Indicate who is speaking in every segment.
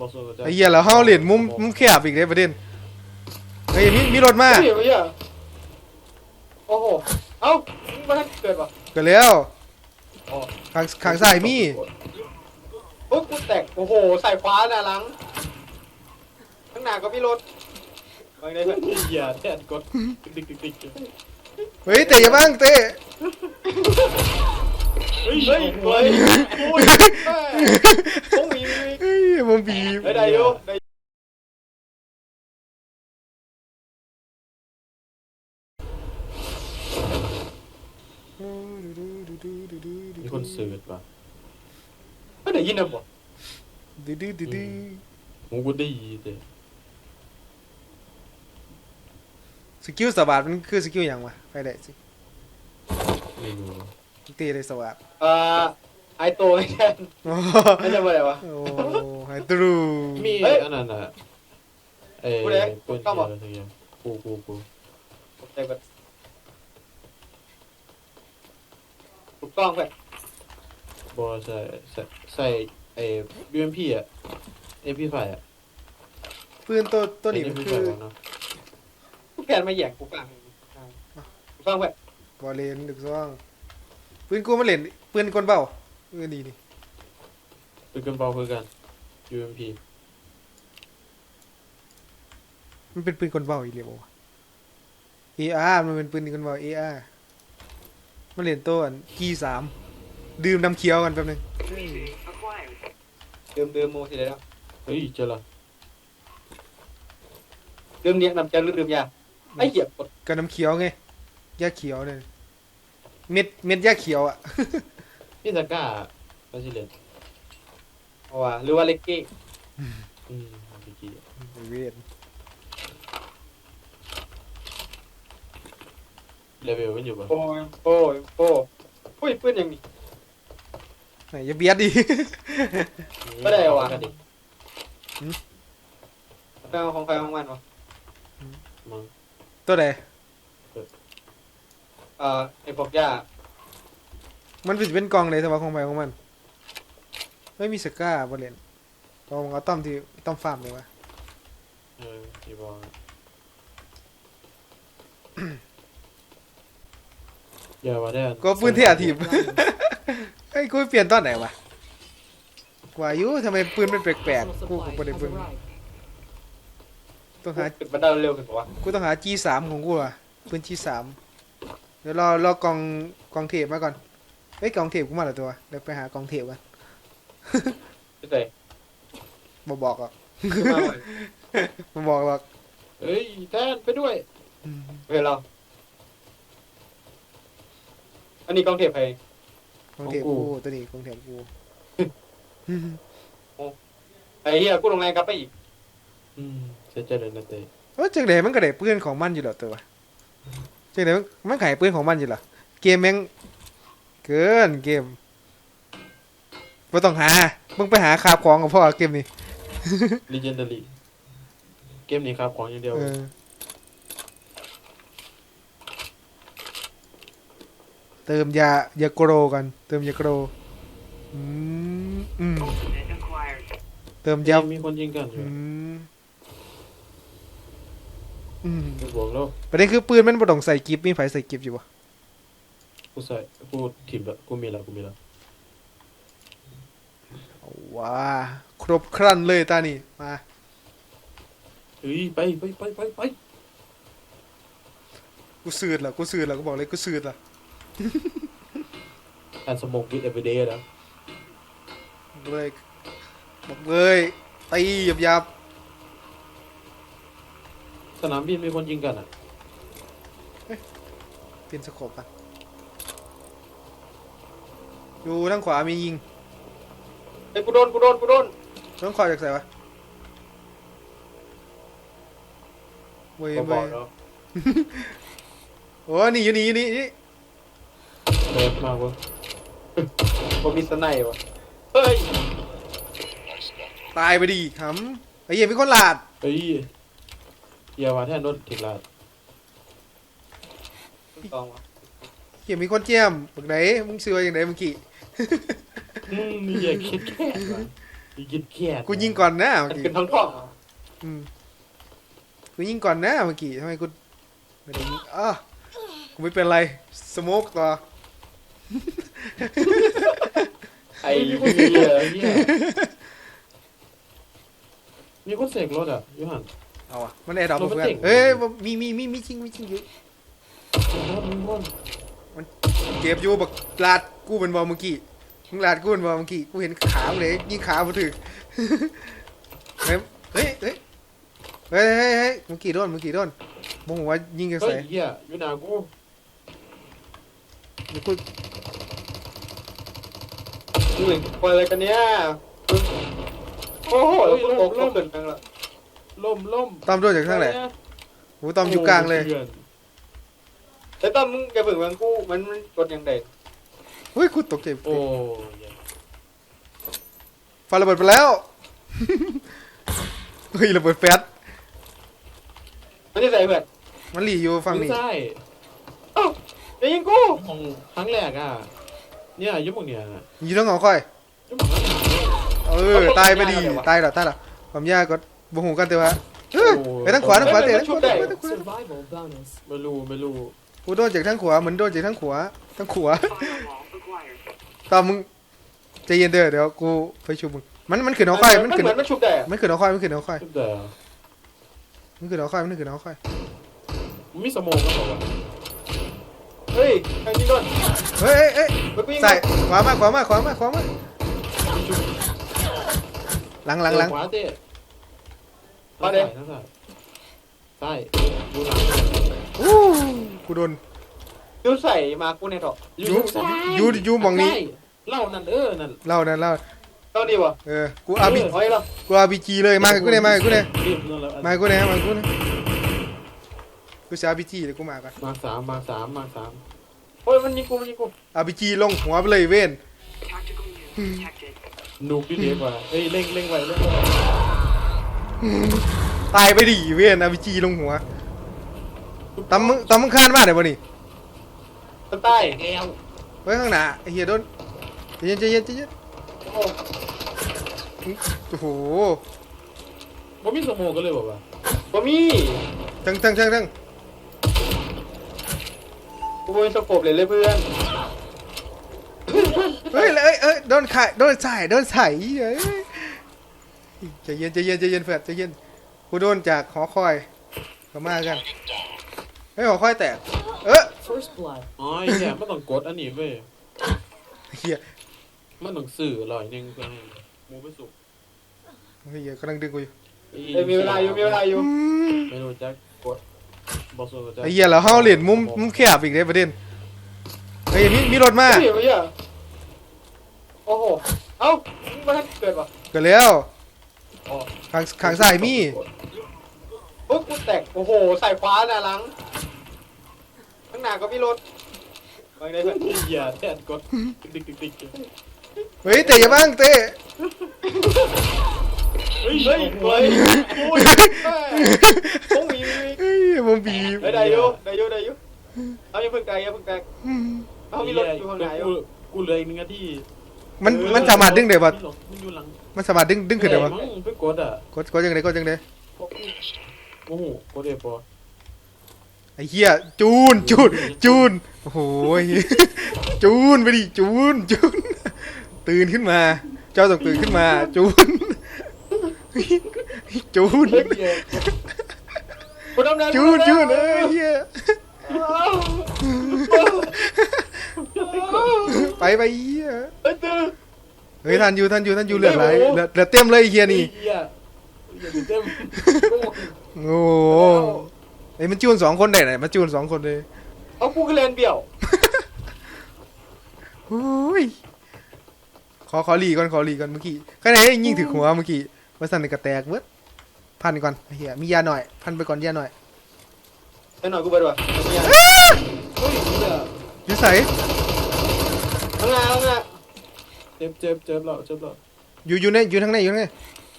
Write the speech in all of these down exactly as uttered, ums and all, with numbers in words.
Speaker 1: ไอ้เหี้ยแล้วเฮาเล่นมุมมุมแคบอีกเลยประเด็นเฮ้ยมีมีรถมา
Speaker 2: เฮ้ยเฮ้ยโอ้โหเอ้ามันเกิดปะ
Speaker 1: เกิดแล้วข้างข้างซ้ายมี
Speaker 2: ปุ๊บกูแตกโอ้โหใส่ขวาหน้าหลังข้างหน้าก็พี่รถไปเลยเพื่อนอย่าแทนกดติ๊กติ๊กติ๊ก
Speaker 1: เฮ้ยเตะอย่าบ้างเตะ
Speaker 2: เฮ้ยเฮ้ยเฮ้ยโอ้ยต้องมี
Speaker 1: เฮ้ยมันบีบ
Speaker 2: ได้อยู่ได้
Speaker 3: มีคนเสิร์ชป่ะ
Speaker 2: ไม่ได้ยินนะบ่
Speaker 1: ดื้อดื้อดื้อดื้อ
Speaker 3: ผมก็ได้ยินแต่
Speaker 1: สกิลสวัสดมันคือสกิลอย่างวะไปได้สิ
Speaker 3: ไม่รู้
Speaker 1: ตีเลยสวัสด
Speaker 2: อ่าไอโตไม่ใช่ไม่ใช่อะไรวะ
Speaker 1: โอ้ไฮตรู
Speaker 3: มีอันนั้นอ่ะเอ้ยเป็นอะไรสักอย่างกูกูกู
Speaker 2: ใช่ปะถูกต้องเพื่อน
Speaker 3: บอใส่ใส่ใส่ไอ้บีเอ็มพีอ่ะเอ็มพีไฟอ่ะ
Speaker 1: ปืนตัวตัวนี้มันคือ
Speaker 2: กูแกนมาแย่งกูฟังถูกต้องเพื่อน
Speaker 1: บอลเลนดึกซ่องปืนกูมาเล่นปืนกลเบาปืนดีนี่
Speaker 3: ปืนกลเบาคือกัน ยู เอ็ม พี
Speaker 1: มันเป็นปืนกลเบาอีกเลยบ่ เอ อาร์ มันเป็นปืนกลเบา เอ อาร์ มาเล่นตัวอัน จี สาม ดื่มน้ำเขียวกันแป๊บนึง
Speaker 2: เดิมเดิมโมทีเดียว
Speaker 3: เฮ้ยเจอละ
Speaker 2: เดิมเนี้ยน้ำเจ้าหรือเดิมยาไอ้เหยียบกด
Speaker 1: กับน้ำเขียวไงยาเขียวเนี่ยเม็ดเม็ดยาเขียวอ่ะ
Speaker 3: พี่ตะก้าบาซิเลน
Speaker 2: เอาว่ะหรือว่าเล็กกี้
Speaker 3: อืมเล็กกี้
Speaker 1: เวท
Speaker 3: เลเวลมันอยู่ป่ะ
Speaker 2: โอ้ยโอ้ยโอ้ยอุ้ยปืนอย่างนี้
Speaker 1: ไหนอย่าเบียดดิ
Speaker 2: ไม่ได้ว่ะไปเอาของใครของมันวะ
Speaker 3: มั้ง
Speaker 1: ตัวไหน
Speaker 2: เอ่อไอ้พวกย่า
Speaker 1: มันเป็นกล่องเลยแต่ว่าของใครของมันไม่มีสก้าบอลเลนต้องเอาต้อมที่ต้อมฟาร์มเลยวะ
Speaker 3: เออที่บอกอย่าว่าได้
Speaker 1: ก็ปืนเทียทีบไอ้กูเปลี่ยนตอนไหนวะว่าอยู่ทำไมปืนมันแปลกๆกูกูไม่ได้ปืนต้องหา
Speaker 2: มันได้เร็วขึ้นปะวะ
Speaker 1: กูต้องหา จี สาม ของกูอ่ะปืน จี สาม เดี๋ยวรอรอกองกองเทปมาก่อนเฮ้ยกองเทปกูมาแล้วตัวเดี๋ยวไปหากองเทปกัน
Speaker 2: ไม่ใช่
Speaker 1: บ่บอกหรอกบ่บอกหรอก
Speaker 3: เฮ้ยแทนไปด้วย
Speaker 2: เฮ้ยเราอันนี้กองเทปใคร
Speaker 1: กองเทปกูตัวนี้กองเทปกู
Speaker 2: ไอ้เหี้ยกูลงแรงกลับไปอีก
Speaker 3: อืมเสียใจเลยนะเต้
Speaker 1: เออจังได๋มันก็ได้ปืนของมันอยู่แล้วตัวจังได๋มันขายปืนของมันอยู่ล่ะเกมแม่งเกินเกมบ่ต้องหามึงไปหาคาบของกับพ่อเกมนี้
Speaker 3: Legendary เกมนี้ครับของอย่างเดียว
Speaker 1: เติมยายาโกรกันเติมยาโกรอืมอืมเติมยา
Speaker 3: มีคนยิงกันอยู่
Speaker 1: อืมอืม
Speaker 3: บวกแล้ว
Speaker 1: ประเด็นคือปืนมันบ่ต้องใส่กิฟมีไฟใส่กิฟอยู่บ่
Speaker 3: กูใส่กูถิ่มแล้วกูมีแล้วกูมีแล้ว
Speaker 1: ว้าครบครันเลยตานี่มา
Speaker 3: เฮ้ยไปไปไปไปไป
Speaker 1: กูสืดล่ะกูสืดล่ะกูบอกเลยกูสืดล่ะ
Speaker 3: อันสมองวิดเอเวอร์เดย์นะ
Speaker 1: เลยบอกเลยตีหยับ
Speaker 3: ๆสนามบินมีคนยิงกันอ่ะ
Speaker 1: เปลี่ยนสโคปกันอยู่ทางขวามียิง
Speaker 2: ไอ้กูโดนกูโดนกูโดน
Speaker 1: ต้องคอยจากไหนวะเว้ยเว้ยโอ้นี่อยู่นี่อยู่นี่นี่
Speaker 3: เล็กมากวะ
Speaker 2: บ่มีสไนป์วะเฮ้ย
Speaker 1: ตายไปดิขำไอ้เหี้ยมีคนหลาด
Speaker 3: เฮ้ยอย่าว่าแท่นรถถึงลาด
Speaker 2: ต้องวะ
Speaker 1: เหี้ยมีคนเจียมบักไหนมึงซื้ออย่างไหนเมื่อกี้
Speaker 3: อืมนี่อย่าคิดแค่กินแค่
Speaker 1: กูยิงก่อนนะเมื่อ
Speaker 2: มัน
Speaker 1: กี้
Speaker 2: เป็นท้องท้อง
Speaker 1: อืมกูยิงก่อนนะเมื่อกี้ทำไมกูไม่ได้ยิงอ้ากูไม่เป็นไรสโมกต่อ
Speaker 2: ไอ้
Speaker 3: มีคน
Speaker 2: เหี้
Speaker 3: เสีย
Speaker 2: ย
Speaker 3: เหี้ยมีคนเสกรถอ่ะยูหัน
Speaker 1: เอาอะมันแอร์ดรอป
Speaker 3: รถมัน
Speaker 1: เพื่อน
Speaker 3: เจ๋ง
Speaker 1: เอ้ยมีมีมีมีจริงมีจริงอยู่
Speaker 3: รถมีคน
Speaker 1: เก็บอยู่บักลาดกูเป็นบอลเมื่อกี้มึงลาดกูเป็นบอลเมื่อกี้กูเห็นขามึงเลยยิงขามาถึง เฮ้ยเฮ้ยเฮ้ยเฮ้ยเฮ้ยเฮ้ยเมื่อกี้โดนเมื่อกี้โดนมองว่ายิงกัน
Speaker 3: เฮ้
Speaker 1: ใส่
Speaker 3: ยเหี้ยยูนากู
Speaker 1: เดี๋ยวกู
Speaker 2: มึงเหมือนคนอะไรกันเนี่ยโอ้โหแล้วกูตกลงเกินไปแล้ว
Speaker 3: ล่มล่ม
Speaker 1: ตอมโดนจากข้างไหนโอ้ตอมอยู่กลางเลย
Speaker 2: แต่ตอนมึงแกเพิ่งมันกูมันมันกดยังไง
Speaker 1: เฮ้ยกูตกใจ
Speaker 3: โอ้ย
Speaker 1: ไฟระเบิดไปแล้ว เฮ้ยระเบิดแฟด
Speaker 2: มันจะใส่เพื่อน
Speaker 1: มันหลีอยู่ฝั่งนี้
Speaker 3: ใช่
Speaker 2: เอ้าอย่ายิงกู
Speaker 3: ของครั้งแรกอ่ะเนี่ยยุบมึงเนี่ย
Speaker 1: อยู่ต้องเอาค่อย
Speaker 3: ยุบมึง
Speaker 1: เออตายไปดีตายแล้วตายแล้วความยากก็บ่หูกันแต่ว่าเออไปทางขวาทางขวาเตะทางขวาทางขวาทางขวา
Speaker 4: Survival bonus.
Speaker 3: ไม่รู้ไม่รู้
Speaker 1: กูโดนจากทางขวาเหมือนโดนจากทางขวาทางขวาตอนมึงใจเย็นเด้อเดี๋ยวกูไปชูมึงมันมันขึ้นเอาค่อยมันขึ้น
Speaker 2: เหมือนมันชุบได้
Speaker 1: มันขึ้นเอาค่อยมันขึ้นเอาค่อย
Speaker 3: ชุบแต่
Speaker 1: มันขึ้นเอาค่อยมันขึ้นเอาค่อย
Speaker 3: มีสมองก็บอกว่า
Speaker 2: เฮ้ยใครยิงโดน
Speaker 1: เฮ้ยเอ้ย
Speaker 2: เฮ้ยกูยิง
Speaker 1: ใส่ขวามาขวามาขวามาขวามา
Speaker 3: มีชุบ
Speaker 1: หลังหลังหลัง
Speaker 3: ขวาเตะ
Speaker 2: มาเด้
Speaker 3: ทั้งสายใช่ดูหลัง
Speaker 1: อู้กูโดน
Speaker 2: ยูใส่มากูในถอก
Speaker 1: ยูยูยูมองนี้
Speaker 3: เล่านั่นเออนั่น
Speaker 1: เล่านั่นเล่า
Speaker 2: ต้องดีวะ
Speaker 1: เออกูอาร์บี
Speaker 2: เฮ้ยเหรอ
Speaker 1: กูอาร์บีจีเลยมากับกูเนี่ยมากับกูเนี่ย
Speaker 3: รีบนั่นแล้ว
Speaker 1: มากับกูเนี่ยมากับกูเนี่ยกูจะอาร์บีจีเลยกูมากัน
Speaker 3: มาสามมาสามมาสาม
Speaker 2: เฮ้ยมันยิงกูมันยิงกู
Speaker 1: อาร์บีจีลงหัวไปเลยเว้น
Speaker 4: Tactical unit detected.
Speaker 3: นูกที่เล็กกว่าเฮ้ยเร่งเร่งไว้เร่งไว้
Speaker 1: ตายไปดิเว้นอาร์บีจีลงหัวตำมึงตำมึงคานมาเดี๋ยวบ่นี่
Speaker 2: ต้นใต้
Speaker 3: แก้ว
Speaker 1: ไว้ข้างหน้าไอ้เหี้ยโดนใจเย็นใจเย็นใจเย็น
Speaker 2: โอ้
Speaker 1: โอ้โห
Speaker 3: บ่มีสมองก็เลยบอกว่า
Speaker 2: บ่มี
Speaker 1: ทั้งทั้งทั้งทั้ง
Speaker 2: กูเป็นสโคปเลยเลยเพื่อน
Speaker 1: เฮ้ยเอ้ยเอ้ยโดนขายโดนใส่โดนใส่เอ้ยใจเย็นใจเย็นใจเย็นแฟดใจเย็นกูโดนจากหอคอยก็มากันเฮ้ยหอคอยแตกเออ
Speaker 4: First blood.
Speaker 3: อ๋อไอ้แย่ไม่ต้องกดอันนี้เว้ย
Speaker 1: เฮีย
Speaker 3: มันต้องสื่อลอยหนึ่งเพื่อให้หมูไปสุก
Speaker 1: เฮียกำลังดึงกูอยู่
Speaker 2: เอ้ยมีเวลาอยู่มีเวลาอยู่
Speaker 3: ไม่รู้จักกดบอสโซจัก
Speaker 1: ไอ้เหี้ยแล้วเฮาเหรียญมุมมุมแคบอีกเลยประเด็นเฮ้ยมีมีรถมา
Speaker 2: เฮ้ยไม่ใช่โอ้โหเอ้ามึงมาให้เกิดปะ
Speaker 1: เกิดแล้ว
Speaker 3: อ๋อ
Speaker 1: ข้างข้างซ้ายมี
Speaker 2: โอ้กูแตกโอ้โหใส่ขวาน่ะหลังข้างหน้าก็มีรถไปได้เพื่อน
Speaker 3: เหี้ยแทนกดติ๊กติ๊กติ๊กติ๊ก
Speaker 1: เฮ้ยเตะอย่าบ้างเตะ
Speaker 3: เฮ้ย
Speaker 2: เฮ้ย
Speaker 3: โอ้
Speaker 2: เฮ้
Speaker 3: ย
Speaker 2: ยโอ้ยต้องมีมี
Speaker 1: เฮ้ยผมบีบ
Speaker 2: เฮ้ยได้อยู่ได้อยู่ได้อยู่เอาอย่าเพิ่งไกลอย่าเพิ่งไกลเอามีรถอยู่ข้างหน้าอยู่
Speaker 3: กูกูเหลยหนึ่งนาที
Speaker 1: มันมันสามารถดึงได้ปะ
Speaker 3: มันอยู่หลัง
Speaker 1: มันสามารถดึงดึงขึ้นได้ปะ
Speaker 3: มั้งไปกดอ่ะ
Speaker 1: กดกดยังไงกดยังไง
Speaker 3: โอ้โหกดเอปอ
Speaker 1: ไอ้เหี้ยจูนจูนจูนโอ้โหจูนไปดิจูนจูนตื่นขึ้นมา เจ้าต้องตื่นขึ้นมาจูนจูน
Speaker 2: กูดำน้ำ
Speaker 1: จูนจูนเอ้ยเหี้ยไปไปเหี้ย
Speaker 2: เฮ้ยตื่น
Speaker 1: เฮ้ยทันอยู่ทันอยู่ทันอยู่เหลือดไหลเหลือเหลือเต็มเลยไอ้เฮียนี่
Speaker 3: เหี้ยอย่าไปเต็ม
Speaker 1: โอ้โหไอ้มันจูนสองคนได้ไหนมันจูนสองคนเลย
Speaker 2: เอากูก็เล่นเบี่ยว
Speaker 1: โอ้ยขอขอหลีก่อนขอหลีก่อนเมื่อกี้ใครไหนยิงถึงหัวเมื่อกี้ว่าสั่นในกระแตกเบิดพันก่อนไอ้เฮียมียาหน่อยพันไปก่อนยาหน่อย
Speaker 2: เดี๋ยวหน่อยกูไปด้วย
Speaker 3: เฮ้ยเหี้ย
Speaker 1: อยู่ใส่
Speaker 2: ข้างหน้าข้างหน้า
Speaker 3: เจ็บเจ็บเจ็บแล้วเจ็บแล้ว
Speaker 1: อยู่อยู่ในอยู่ทางไหนอยู่ทางไหน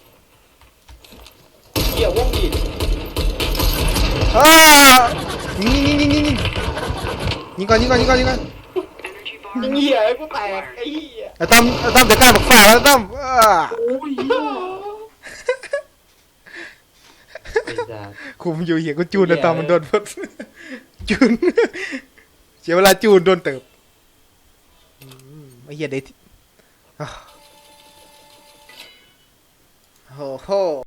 Speaker 2: เกี่ยววงดีด
Speaker 1: อ้ายิงยิงยิงยิงยิงยิงก่อนยิงก่อนยิงก่อนยิงก่อน
Speaker 4: Energy bar.
Speaker 2: ยิงเหี้ยไอ้กูแตกไอ้เหี้ย
Speaker 1: ไอ้ต้อมไอ้ต้อมจะกล้าบอกฝ่าแล้วต้อมอ้า
Speaker 3: โอ้ยเหี้ยไอ้สัส
Speaker 1: คุมอยู่เหี้ยกูจูนไอ้ต้อมมันโดนพดจูนเสียเวลาจูนโดนเติบอืมไอ้เหี้ยเด็ดอ้าวโอ้โห